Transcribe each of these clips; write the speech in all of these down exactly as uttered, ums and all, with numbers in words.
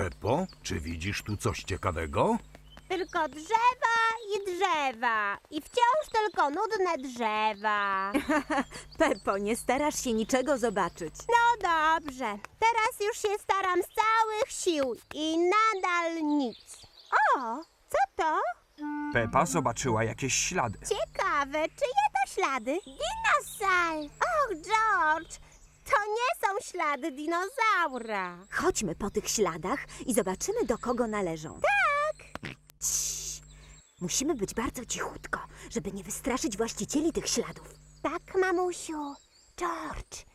Peppo, czy widzisz tu coś ciekawego? Tylko drzewa i drzewa. I wciąż tylko nudne drzewa. Peppo, nie starasz się niczego zobaczyć. No dobrze. Teraz już się staram z całych sił i nadal nic. O, co to? Pepa zobaczyła jakieś ślady. Ciekawe, czyje to ślady? Dinosaur! Och, George, to nie są ślady dinozaura. Chodźmy po tych śladach i zobaczymy, do kogo należą. Tak! Ciii. Musimy być bardzo cichutko, żeby nie wystraszyć właścicieli tych śladów. Tak, mamusiu. George.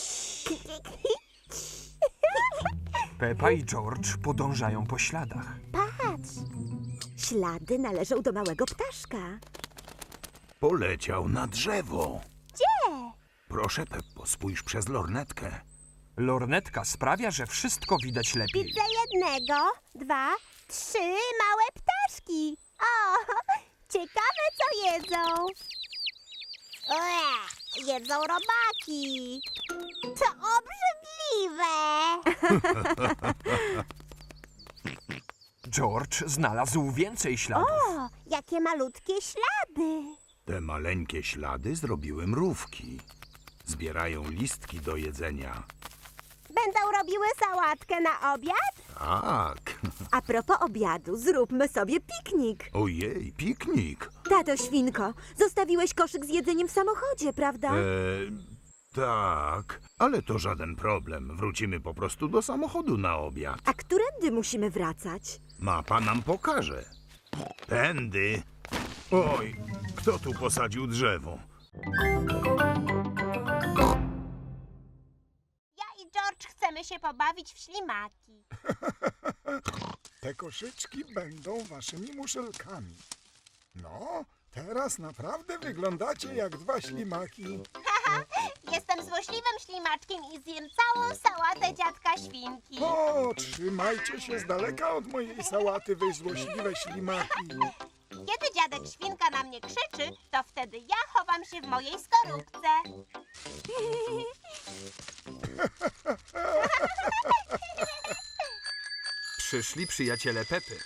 Pepa i George podążają po śladach. Patrz. Ślady należą do małego ptaszka. Poleciał na drzewo. Gdzie? Proszę, Peppo, spójrz przez lornetkę. Lornetka sprawia, że wszystko widać lepiej. Widzę jednego, dwa, trzy małe ptaszki. O, ciekawe co jedzą. Ue, jedzą robaki. To obrzydliwe. George znalazł więcej śladów. O, jakie malutkie ślady. Te maleńkie ślady zrobiły mrówki. Zbierają listki do jedzenia. Będą robiły sałatkę na obiad? Tak. A propos obiadu, zróbmy sobie piknik. Ojej, piknik. Tato Świnko, zostawiłeś koszyk z jedzeniem w samochodzie, prawda? Eee, tak, ale to żaden problem. Wrócimy po prostu do samochodu na obiad. A którędy musimy wracać? Mapa nam pokaże. Tędy. Oj, kto tu posadził drzewo? Ja i George chcemy się pobawić w ślimaki. Te koszyczki będą waszymi muszelkami. No, teraz naprawdę wyglądacie jak dwa ślimaki. Jestem złośliwym ślimaczkiem i zjem całą sałatę dziadka świnki. O, trzymajcie się z daleka od mojej sałaty, wy złośliwe ślimaki. Kiedy dziadek świnka na mnie krzyczy, to wtedy ja chowam się w mojej skorupce. Przyszli przyjaciele Pepy.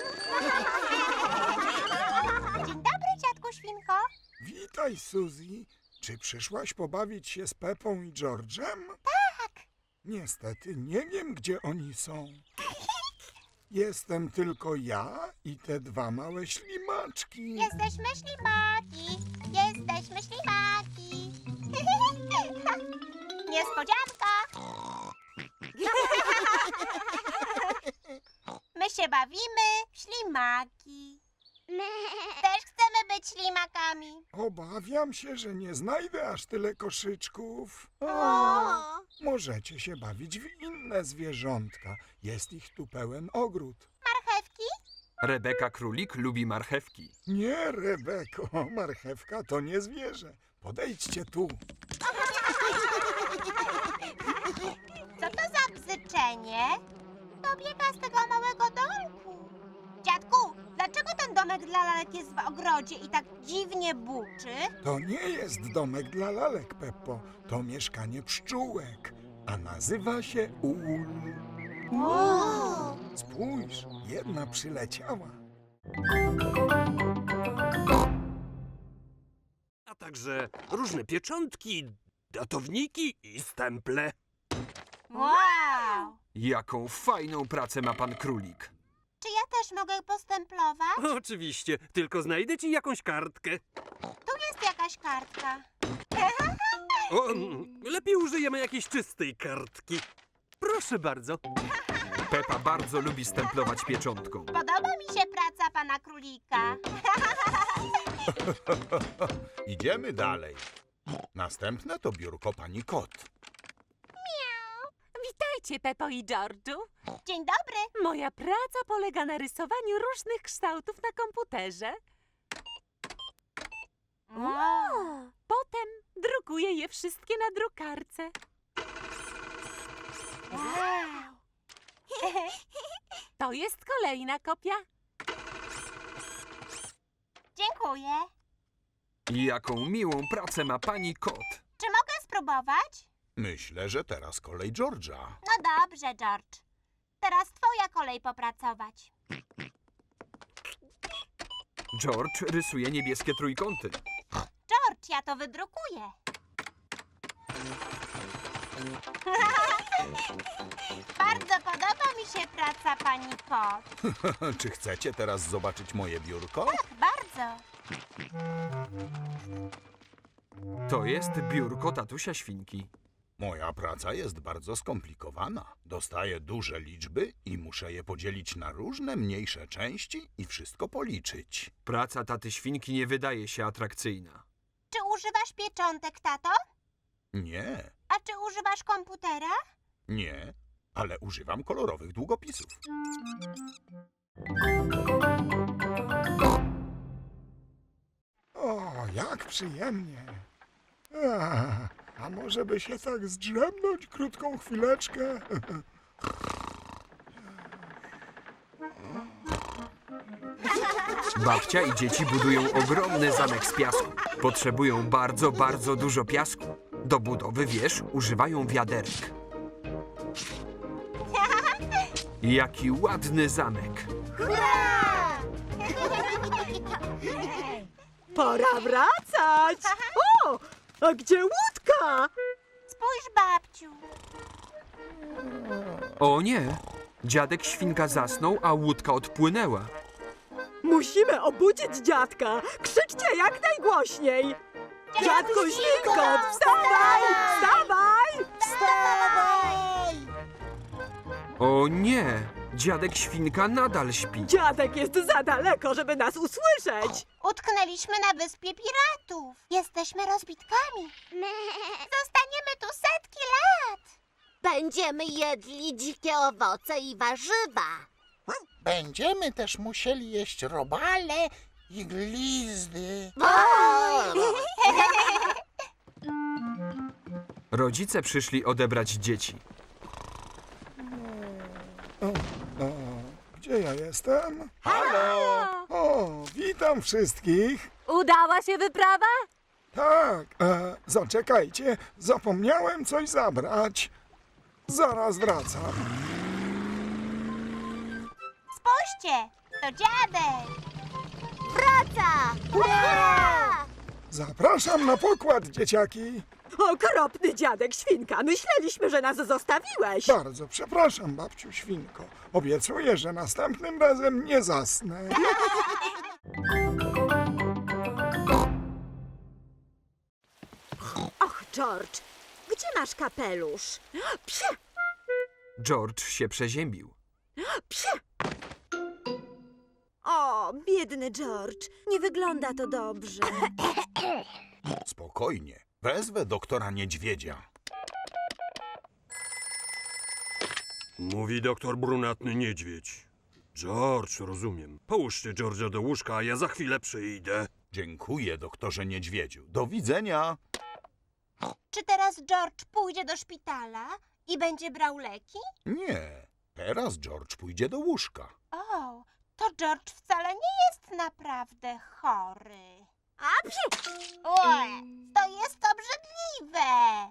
Dzień dobry, dziadku świnko. Witaj, Suzy. Czy przyszłaś pobawić się z Pepą i George'em? Tak. Niestety nie wiem, gdzie oni są. Jestem tylko ja i te dwa małe ślimaczki. Jesteśmy ślimaki. Jesteśmy ślimaki. Niespodzianka. My się bawimy w ślimaki. Też chcemy być ślimakami. Obawiam się, że nie znajdę aż tyle koszyczków. O! Możecie się bawić w inne zwierzątka. Jest ich tu pełen ogród. Marchewki? Rebeka Królik lubi marchewki. Nie, Rebeko, marchewka to nie zwierzę. Podejdźcie tu. Co to za bzyczenie? To biega z tego małego domku. Dziadku, dlaczego ten domek dla lalek jest w ogrodzie i tak dziwnie buczy? To nie jest domek dla lalek, Peppo. To mieszkanie pszczółek, a nazywa się ul. O! Spójrz, jedna przyleciała. A także różne pieczątki, datowniki i stemple. Wow! Jaką fajną pracę ma pan Królik. Czy ja też mogę postemplować? Oczywiście, tylko znajdę ci jakąś kartkę. Tu jest jakaś kartka. O, mm, lepiej użyjemy jakiejś czystej kartki. Proszę bardzo. Pepa bardzo lubi stemplować pieczątką. Podoba mi się praca pana królika. Idziemy dalej. Następne to biurko pani Kot. Witajcie, Peppo i George'u. Dzień dobry. Moja praca polega na rysowaniu różnych kształtów na komputerze. Wow. Potem drukuję je wszystkie na drukarce. Wow. To jest kolejna kopia. Dziękuję. I jaką miłą pracę ma pani Kot. Czy mogę spróbować? Myślę, że teraz kolej George'a. No dobrze, George. teraz twoja kolej popracować. George rysuje niebieskie trójkąty. George, ja to wydrukuję. Bardzo podoba mi się praca pani Pot. Czy chcecie teraz zobaczyć moje biurko? Bardzo. To jest biurko tatusia świnki. Moja praca jest bardzo skomplikowana. Dostaję duże liczby i muszę je podzielić na różne mniejsze części i wszystko policzyć. Praca taty świnki nie wydaje się atrakcyjna. Czy używasz pieczątek, tato? Nie, A czy używasz komputera? nie, ale używam kolorowych długopisów. O, jak przyjemnie. A, a może by się tak zdrzemnąć krótką chwileczkę? Babcia i dzieci budują ogromny zamek z piasku. Potrzebują bardzo, bardzo dużo piasku. Do budowy wież używają wiaderek. Jaki ładny zamek. Hurra! Pora wracać! O! A gdzie łódka? Spójrz, babciu. O nie! Dziadek świnka zasnął, a łódka odpłynęła. Musimy obudzić dziadka! Krzyczcie jak najgłośniej! Dziadku świnko, wstawaj! Wstawaj! Wstawaj! O nie! Dziadek świnka nadal śpi. Dziadek jest za daleko, żeby nas usłyszeć! Utknęliśmy na wyspie piratów. Jesteśmy rozbitkami. Zostaniemy tu setki lat. Będziemy jedli dzikie owoce i warzywa. Będziemy też musieli jeść robale i glizdy. Rodzice przyszli odebrać dzieci. O, o, gdzie ja jestem? Halo! O, witam wszystkich. Udała się wyprawa? Tak, e, zaczekajcie, zapomniałem coś zabrać. Zaraz wracam. Spójrzcie, to dziadek. Wraca! Hurra! Zapraszam na pokład, dzieciaki. Okropny dziadek świnka, myśleliśmy, że nas zostawiłeś. Bardzo przepraszam, babciu świnko. Obiecuję, że następnym razem nie zasnę. Och, George, gdzie masz kapelusz? Psie! George się przeziębił. Psie! O, biedny George, nie wygląda to dobrze. Spokojnie, wezwę doktora Niedźwiedzia. Mówi doktor Brunatny Niedźwiedź. George, rozumiem. Połóżcie George'a do łóżka, a ja za chwilę przyjdę. Dziękuję, doktorze Niedźwiedziu. Do widzenia. Czy teraz George pójdzie do szpitala i będzie brał leki? Nie, teraz George pójdzie do łóżka. O, to George wcale nie jest naprawdę chory. A psie! Ue, to jest obrzydliwe.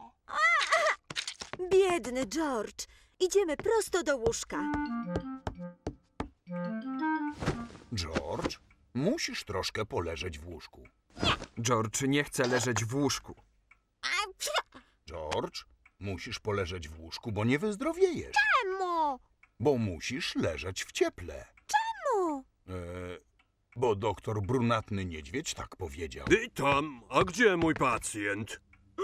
Biedny George, idziemy prosto do łóżka. George, musisz troszkę poleżeć w łóżku. George nie chce leżeć w łóżku. A psie! George, musisz poleżeć w łóżku, bo nie wyzdrowiejesz. Czemu? Bo musisz leżeć w cieple. Czemu? E, bo doktor Brunatny Niedźwiedź tak powiedział. Witam, a gdzie mój pacjent?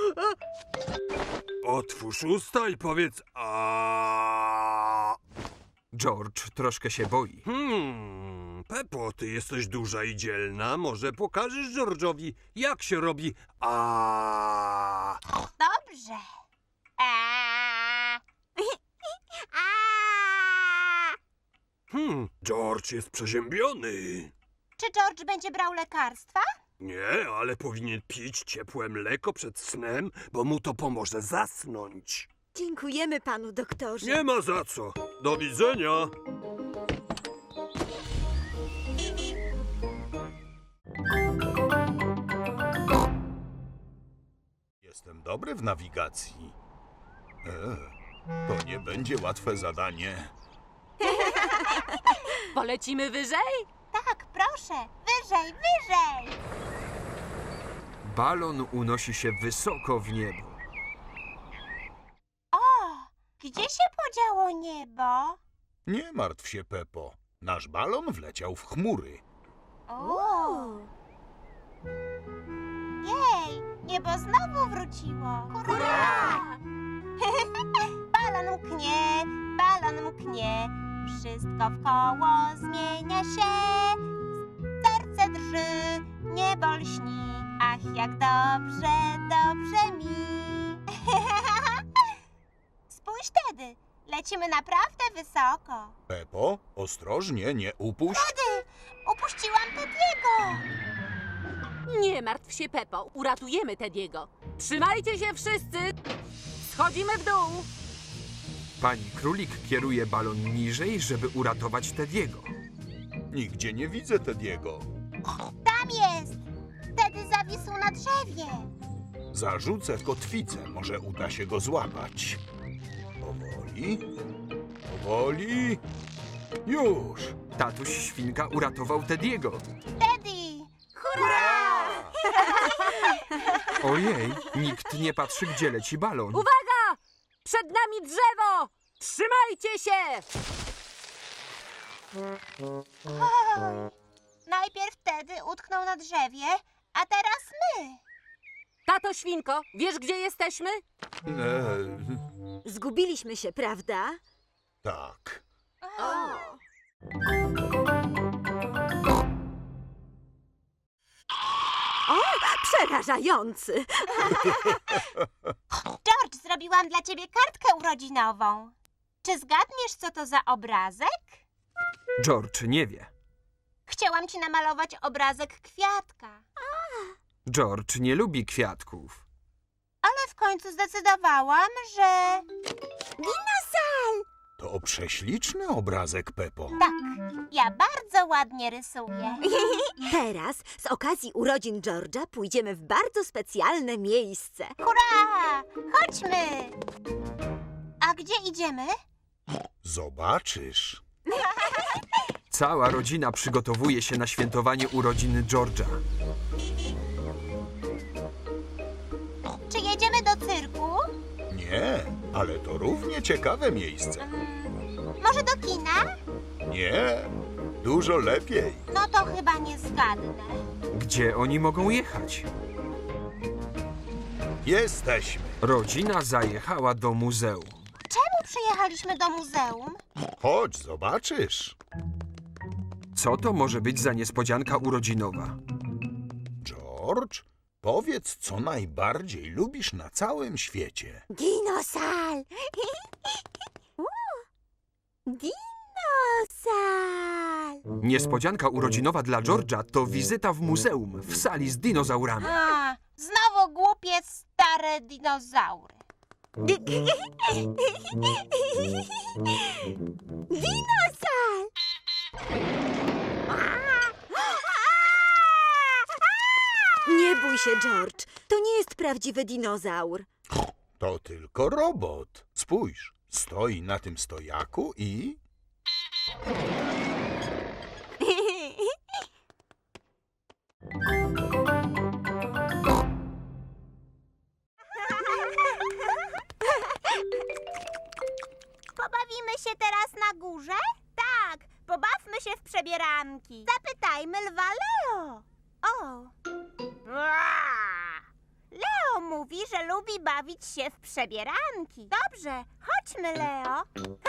Otwórz usta i powiedz a. George troszkę się boi. Hmm, Pepo, ty jesteś duża i dzielna. Może pokażesz George'owi, jak się robi a. Dobrze. Eee. A! Hmm, George jest przeziębiony. Czy George będzie brał lekarstwa? Nie, ale powinien pić ciepłe mleko przed snem, bo mu to pomoże zasnąć. Dziękujemy panu doktorze. Nie ma za co. Do widzenia. Jestem dobry w nawigacji. E, to nie będzie łatwe zadanie. Polecimy wyżej? Tak, proszę, wyżej, wyżej! Balon unosi się wysoko w niebo. O, gdzie się podziało niebo? Nie martw się, Pepo. Nasz balon wleciał w chmury. O! Jej, niebo znowu wróciło. Hurra! Balon mknie, balon mknie, wszystko wkoło zmienia się. Serce drży, niebo lśni, ach jak dobrze, dobrze mi. Spójrz tedy, lecimy naprawdę wysoko. Pepo, ostrożnie, nie upuść. Tedy, upuściłam Tediego. Nie martw się, Pepo. Uratujemy Tediego. Trzymajcie się wszyscy! Schodzimy w dół! Pani Królik kieruje balon niżej, żeby uratować Tediego. Nigdzie nie widzę Tediego. Tam jest. Tedy zawisł na drzewie. Zarzucę w kotwicę, może uda się go złapać. Powoli, powoli. Już. Tatuś Świnka uratował Tediego. Teddy! Hurra! Ojej, nikt nie patrzy, gdzie leci balon. Uwaga! Przed nami drzewo! Trzymajcie się! Najpierw Teddy utknął na drzewie, a teraz my. Tato Świnko, wiesz, gdzie jesteśmy? Eee, Zgubiliśmy się, prawda? tak. Przerażający! George, zrobiłam dla ciebie kartkę urodzinową. Czy zgadniesz, co to za obrazek? George nie wie. Chciałam ci namalować obrazek kwiatka, George nie lubi kwiatków. ale w końcu zdecydowałam, że... To prześliczny obrazek, Pepo. Tak, ja bardzo ładnie rysuję. Teraz, z okazji urodzin George'a, pójdziemy w bardzo specjalne miejsce. Hurra! Chodźmy! A gdzie idziemy? Zobaczysz. Cała rodzina przygotowuje się na świętowanie urodzin George'a. Czy jedziemy do cyrku? Nie, ale to równie ciekawe miejsce. Mm, może do kina? Nie, dużo lepiej. No to chyba nie zgadnę. Gdzie oni mogą jechać? Jesteśmy. Rodzina zajechała do muzeum. Czemu przyjechaliśmy do muzeum? Chodź, zobaczysz. Co to może być za niespodzianka urodzinowa? George, powiedz, co najbardziej lubisz na całym świecie. Dinosal! Dinosal! Niespodzianka urodzinowa dla George'a to wizyta w muzeum w sali z dinozaurami. A, znowu głupie stare dinozaury. Dinosal! Nie bój się, George. To nie jest prawdziwy dinozaur. To tylko robot. Spójrz, stoi na tym stojaku i... Pobawimy się teraz na górze? Tak, pobawmy się w przebieranki. Zapytajmy lwa Leo. O. Leo mówi, że lubi bawić się w przebieranki. Dobrze, chodźmy, Leo.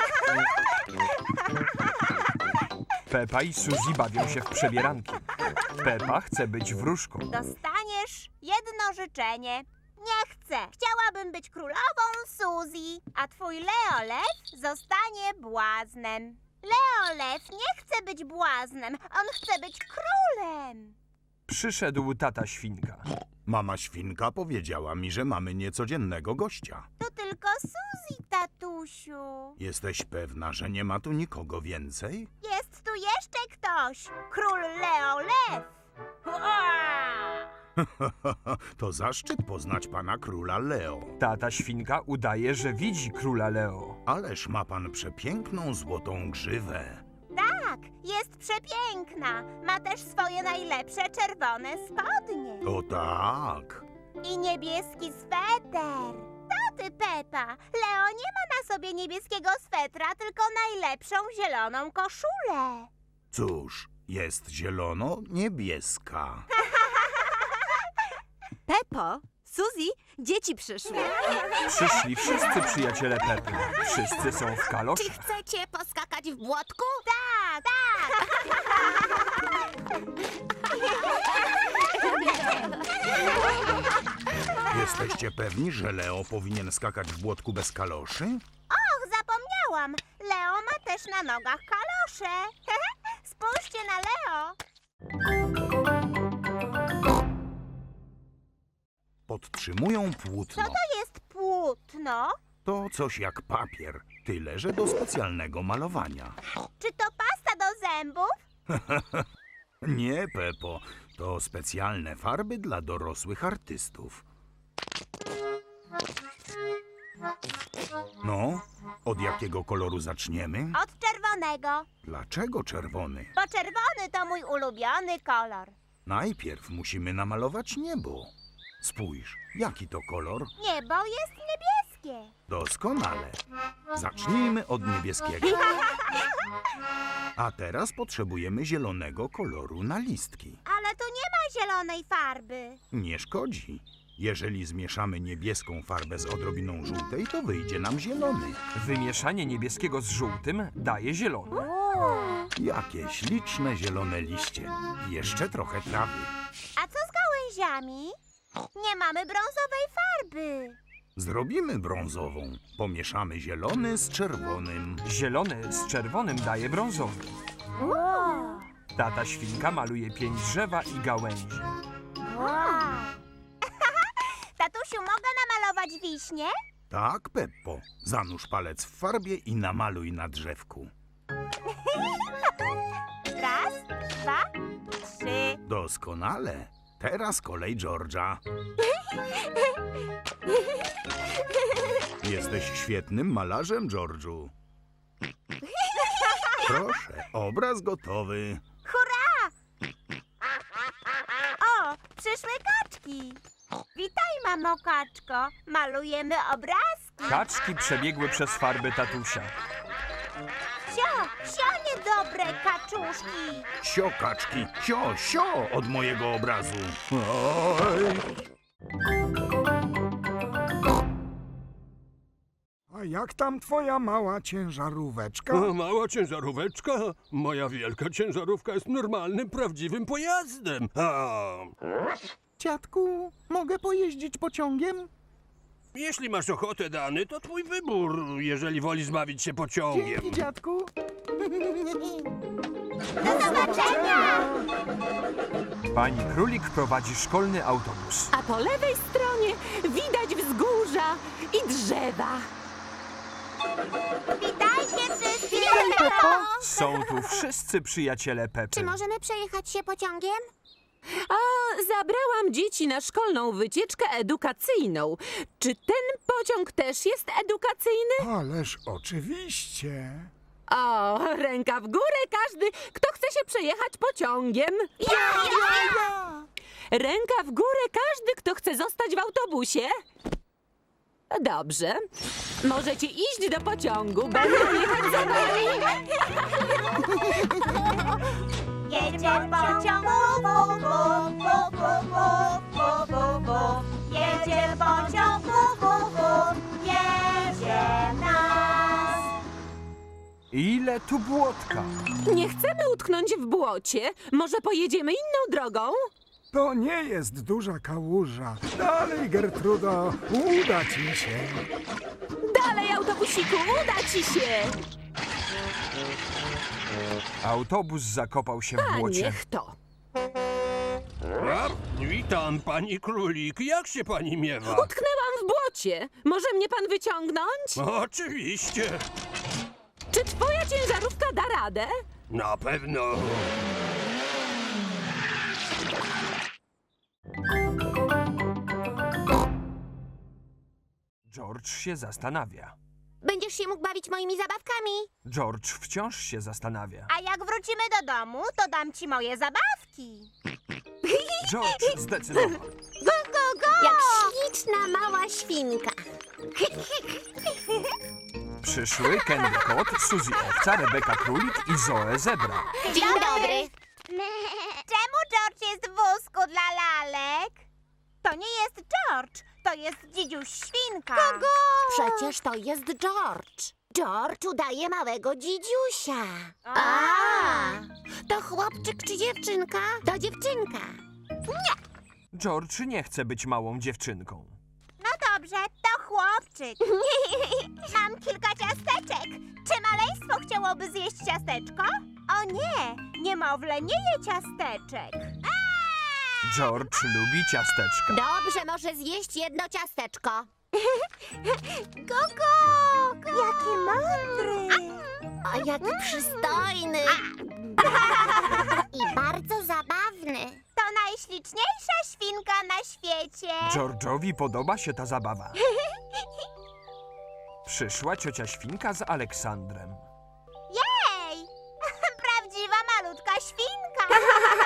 Pepa i Suzy bawią się w przebieranki. Pepa chce być wróżką. Dostaniesz jedno życzenie. Nie chcę. Chciałabym być królową Suzy, a twój Leo Lew zostanie błaznem. Leo Lew nie chce być błaznem, on chce być królem. Przyszedł tata Świnka. Mama świnka powiedziała mi, że mamy niecodziennego gościa. To tylko Suzy, tatusiu. Jesteś pewna, że nie ma tu nikogo więcej? Jest tu jeszcze ktoś. Król Leo Lew. Ua! To zaszczyt poznać pana króla Leo. Tata świnka udaje, że widzi króla Leo. Ależ ma pan przepiękną złotą grzywę. Tak, jest przepiękna. Ma też swoje najlepsze czerwone spodnie. O tak. I niebieski sweter. To ty, Pepa. Leo nie ma na sobie niebieskiego swetra, tylko najlepszą zieloną koszulę. Cóż, jest zielono-niebieska. Pepo, Suzy, dzieci przyszły. Przyszli wszyscy przyjaciele Pepy. Wszyscy są w kaloszach. Chcecie poskakać w błotku? Tak, tak. Jesteście pewni, że Leo powinien skakać w błotku bez kaloszy? Och, zapomniałam. Leo ma też na nogach kalosze. Spójrzcie na Leo. Podtrzymują płótno. Co to jest płótno? To coś jak papier, tyle że do specjalnego malowania. Czy to pasta do zębów? Nie, Pepo, to specjalne farby dla dorosłych artystów. No, od jakiego koloru zaczniemy? Od czerwonego. Dlaczego czerwony? Bo czerwony to mój ulubiony kolor. Najpierw musimy namalować niebo. Spójrz, jaki to kolor? Niebo jest niebieskie. Doskonale. Zacznijmy od niebieskiego. A teraz potrzebujemy zielonego koloru na listki. Ale tu nie ma zielonej farby. Nie szkodzi. Jeżeli zmieszamy niebieską farbę z odrobiną żółtej, to wyjdzie nam zielony. Wymieszanie niebieskiego z żółtym daje zielony. Jakie śliczne zielone liście. I jeszcze trochę trawy. A co z gałęziami? Nie mamy brązowej farby. Zrobimy brązową. Pomieszamy zielony z czerwonym. Zielony z czerwonym daje brązowy. Tata świnka maluje pięć drzewa i gałęzi. Wow. Tatusiu, mogę namalować wiśnie? Tak, Peppo. Zanurz palec w farbie i namaluj na drzewku. Raz, dwa, trzy. Doskonale. Teraz kolej George'a. Jesteś świetnym malarzem, George'u. Proszę, obraz gotowy. Hurra! O, przyszły kaczki. Witaj, mamo kaczko. Malujemy obrazki. Kaczki przebiegły przez farby tatusia. Sio, sio niedobre kaczuszki. Sio, kaczki, sio, sio od mojego obrazu. Oj. A jak tam twoja mała ciężaróweczka? O, mała ciężaróweczka? Moja wielka ciężarówka jest normalnym, prawdziwym pojazdem. A, Dziadku, mogę pojeździć pociągiem? jeśli masz ochotę, Dany, to twój wybór, jeżeli wolisz bawić się pociągiem. dziadku. Do zobaczenia! Pani Królik prowadzi szkolny autobus. A po lewej stronie widać wzgórza i drzewa. Witajcie wszyscy! Są tu wszyscy przyjaciele Pepy. Czy możemy przejechać się pociągiem? A zabrałam dzieci na szkolną wycieczkę edukacyjną. Czy ten pociąg też jest edukacyjny? Ależ oczywiście. O, ręka w górę każdy, kto chce się przejechać pociągiem. Ja, ja, ja! Ręka w górę każdy, kto chce zostać w autobusie. Dobrze. Możecie iść do pociągu. Będę jechać za wami. Jedzie pociąg, bu, bu, bu, bu, bu, bu, bu, bu. Jedzie pociąg, bu, bu, bu. Jedzie nas. Ile tu błotka? Nie chcemy utknąć w błocie. Może pojedziemy inną drogą? To nie jest duża kałuża. Dalej, Gertrudo, uda ci się. Dalej, autobusiku, uda ci się. Autobus zakopał się w A błocie. niech to. A, witam, pani Królik. Jak się pani miewa? Utknęłam w błocie. Może mnie pan wyciągnąć? Oczywiście. Czy twoja ciężarówka da radę? Na pewno. George się zastanawia. Będziesz się mógł bawić moimi zabawkami. George wciąż się zastanawia. A jak wrócimy do domu, to dam ci moje zabawki. George zdecydował. Go, go, go! Jak śliczna mała świnka. Przyszły Candy Kot, Suzy Owca, Rebeka Królik i Zoe Zebra. Dzień dobry. Czemu George jest w wózku dla lalek? To nie jest George, to jest dzidziuś świnka. Kogo? Przecież to jest George. George udaje małego dzidziusia. A. To chłopczyk czy dziewczynka? To dziewczynka. George nie chce być małą dziewczynką. No dobrze, to chłopczyk. Mam kilka ciasteczek. Czy maleństwo chciałoby zjeść ciasteczko? O nie, niemowlę nie je ciasteczek. George lubi ciasteczka. Dobrze, może zjeść jedno ciasteczko. Gogo! Jaki mądry! O, jaki przystojny. I bardzo zabawny. To najśliczniejsza świnka na świecie. George'owi podoba się ta zabawa. Przyszła ciocia świnka z Aleksandrem. Jej! Prawdziwa malutka świnka.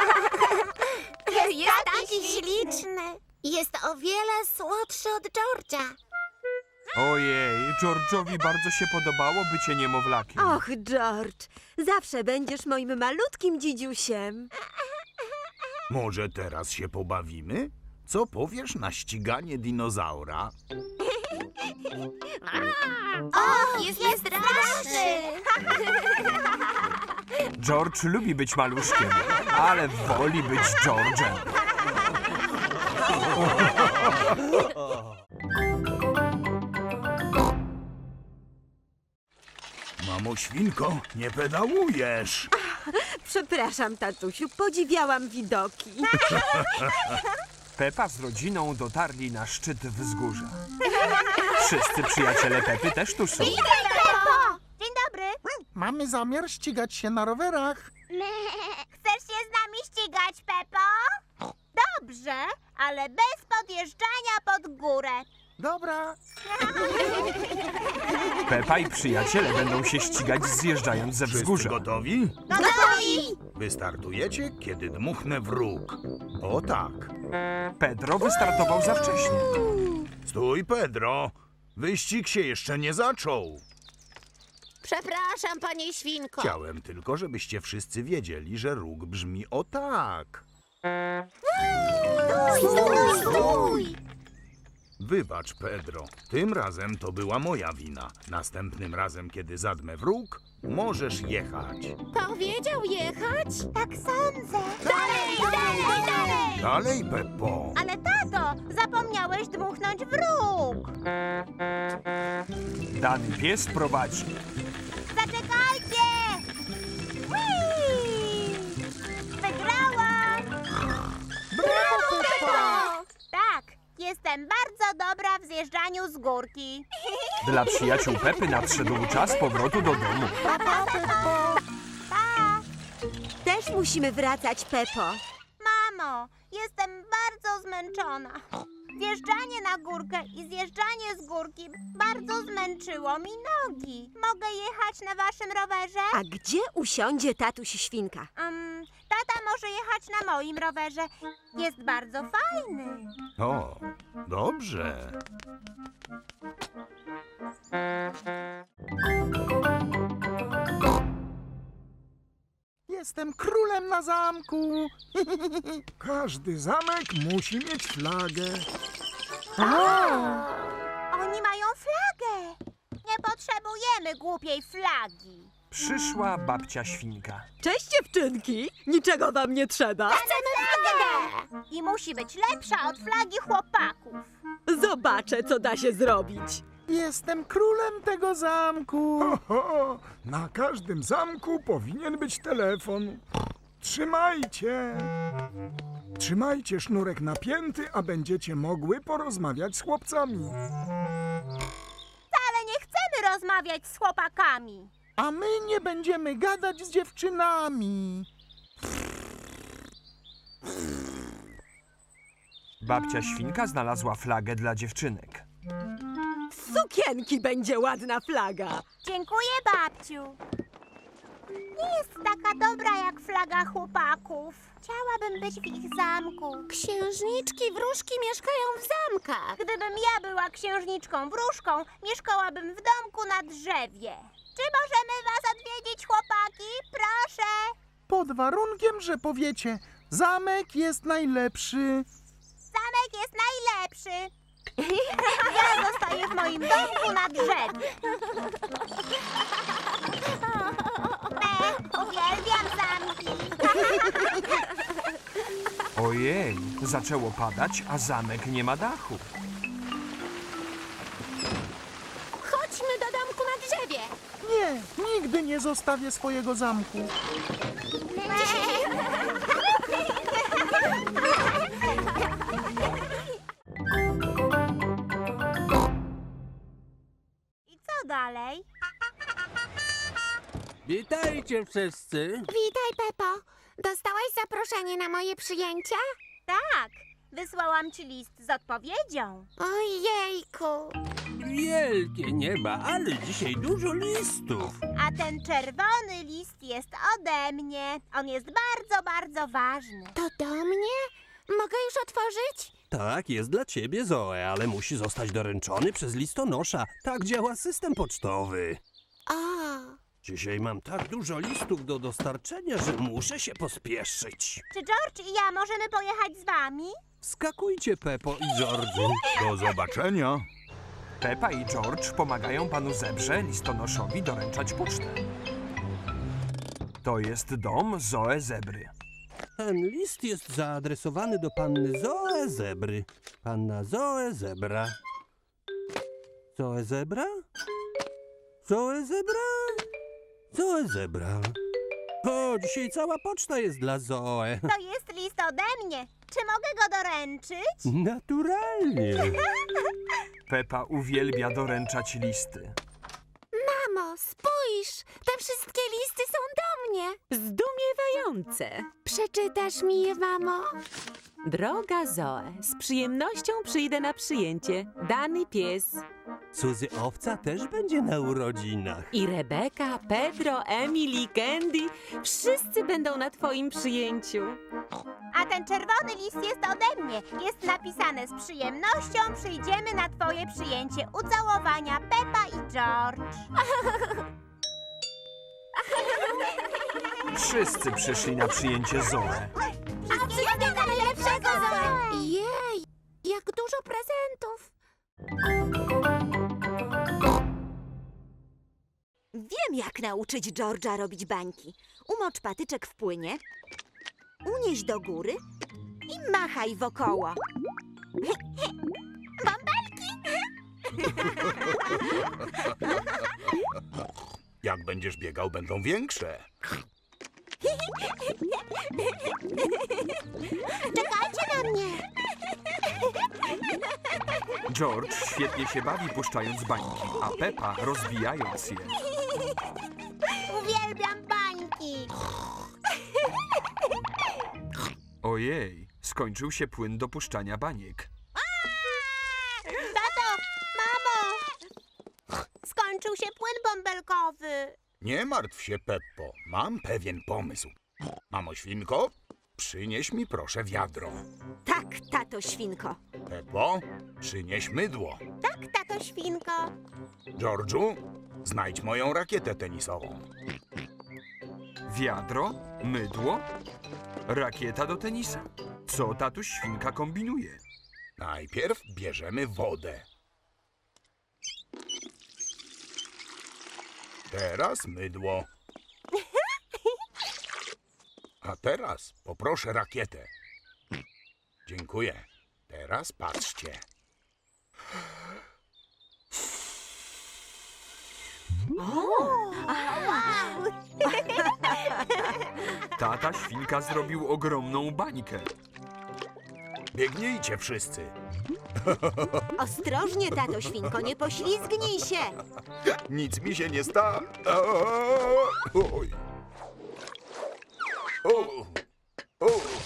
Jest taki śliczny. Jest o wiele słodszy od George'a. Ojej, George'owi bardzo się podobało bycie niemowlakiem. Och, George, zawsze będziesz moim malutkim dzidziusiem. Może teraz się pobawimy? Co powiesz na ściganie dinozaura? Och, jest, jest straszny. George lubi być maluszkiem, ale woli być George'em. Mamo świnko, nie pedałujesz. Przepraszam, tatusiu, podziwiałam widoki. Pepa z rodziną dotarli na szczyt wzgórza. Wszyscy przyjaciele Pepy też tu są. Pepo! Dzień dobry. Mamy zamiar ścigać się na rowerach. Chcesz się z nami ścigać, Pepo? Dobrze, ale bez podjeżdżania pod górę. Dobra. Pepa i przyjaciele będą się ścigać zjeżdżając ze Wszyscy wzgórza. gotowi? Gotowi! Wystartujecie, kiedy dmuchnę wróg. O tak. Pedro wystartował za wcześnie. Stój, Pedro. Wyścig się jeszcze nie zaczął. Przepraszam, panie świnko. Chciałem tylko, żebyście wszyscy wiedzieli, że róg brzmi o tak. Stój, stój. Wybacz, Pedro. Tym razem to była moja wina. Następnym razem, kiedy zadmę wróg, możesz jechać. Powiedział jechać? Tak sądzę. Dalej, dalej, dalej! Dalej, Peppo. Ale tato, zapomniałeś dmuchnąć wróg. Dany pies prowadzi. Zaczekajcie! Whee! Wygrałam! Brawo, Peppa! Tak, jestem bardzo dobra w zjeżdżaniu z górki. Dla przyjaciół Pepy nadszedł czas powrotu do domu. Pa! Też musimy wracać, Pepo. Mamo, jestem bardzo zmęczona. Zjeżdżanie na górkę i zjeżdżanie z górki bardzo zmęczyło mi nogi. Mogę jechać na waszym rowerze? A gdzie usiądzie tatuś świnka? Um, tata może jechać na moim rowerze. Jest bardzo fajny. O, dobrze. Jestem królem na zamku. Każdy zamek musi mieć flagę. Oni mają flagę. Nie potrzebujemy głupiej flagi. Przyszła babcia świnka. Cześć, dziewczynki! Niczego wam nie trzeba. Chcemy flagę! I musi być lepsza od flagi chłopaków. Zobaczę, co da się zrobić. Jestem królem tego zamku. Ho, ho, na każdym zamku powinien być telefon. Trzymajcie. Trzymajcie sznurek napięty, a będziecie mogły porozmawiać z chłopcami. Ale nie chcemy rozmawiać z chłopakami. A my nie będziemy gadać z dziewczynami. Babcia świnka znalazła flagę dla dziewczynek. Z sukienki będzie ładna flaga. Dziękuję, babciu. Nie jest taka dobra jak flaga chłopaków. Chciałabym być w ich zamku. Księżniczki wróżki mieszkają w zamkach. Gdybym ja była księżniczką wróżką, mieszkałabym w domku na drzewie. Czy możemy was odwiedzić, chłopaki? Proszę. Pod warunkiem, że powiecie, zamek jest najlepszy. Zamek jest najlepszy. Ja zostaję w moim domku na drzewie. Me, uwielbiam zamki. Ojej, zaczęło padać, a zamek nie ma dachu. Chodźmy do domku na drzewie. Nie, nigdy nie zostawię swojego zamku. I co dalej? Witajcie wszyscy. Witaj, Pepo. Dostałaś zaproszenie na moje przyjęcia? Tak, wysłałam ci list z odpowiedzią. Ojejku. Wielkie nieba, ale dzisiaj dużo listów. A ten czerwony list jest ode mnie. On jest bardzo, bardzo ważny. To do mnie? Mogę już otworzyć? Tak, jest dla ciebie, Zoe, ale musi zostać doręczony przez listonosza. Tak działa system pocztowy. O, Dzisiaj mam tak dużo listów do dostarczenia, że muszę się pospieszyć. Czy George i ja możemy pojechać z wami? Skakujcie, Peppo i George'u. Do zobaczenia. Pepa i George pomagają panu zebrze listonoszowi doręczać pocztę. To jest dom Zoe Zebry. Ten list jest zaadresowany do panny Zoe Zebry. Panna Zoe Zebra. Zoe Zebra? Zoe Zebra? Zoe Zebra. O, dzisiaj cała poczta jest dla Zoe. To jest list ode mnie. Czy mogę go doręczyć? Naturalnie. Pepa uwielbia doręczać listy. mamo, spójrz. Te wszystkie listy są do mnie. Zdumiewające. Przeczytasz mi je, mamo? Droga Zoe, z przyjemnością przyjdę na przyjęcie. Dany pies. Suzy Owca też będzie na urodzinach. I Rebeka, Pedro, Emily, Candy. Wszyscy będą na twoim przyjęciu. A ten czerwony list jest ode mnie. Jest napisane: z przyjemnością przyjdziemy na twoje przyjęcie. Ucałowania, Pepa i George. Wszyscy przyszli na przyjęcie Zoe. A wszystkiego najlepszego, Zoe! Jej, jak dużo prezentów. Wiem, jak nauczyć George'a robić bańki. Umocz patyczek w płynie, unieś do góry i machaj wokoło. Jak będziesz biegał, będą większe. Czekajcie na mnie. George świetnie się bawi puszczając bańki, a Pepa rozbijając je. Uwielbiam bańki. Ojej, skończył się płyn do puszczania baniek. Tato, mamo. Skończył się płyn bąbelkowy. Nie martw się, Peppo. Mam pewien pomysł. Mamo świnko, przynieś mi proszę wiadro. Tak, tato świnko. Peppo, przynieś mydło. Tak, tato świnko. George'u, znajdź moją rakietę tenisową. Wiadro, mydło, rakieta do tenisa. Co tatuś świnka kombinuje? Najpierw bierzemy wodę. Teraz mydło. A teraz poproszę rakietę. Dziękuję. Teraz patrzcie. Tata świnka zrobił ogromną bańkę. Biegnijcie wszyscy. Ostrożnie, tato świnko, nie poślizgnij się. Nic mi się nie stało. Oj. O. O.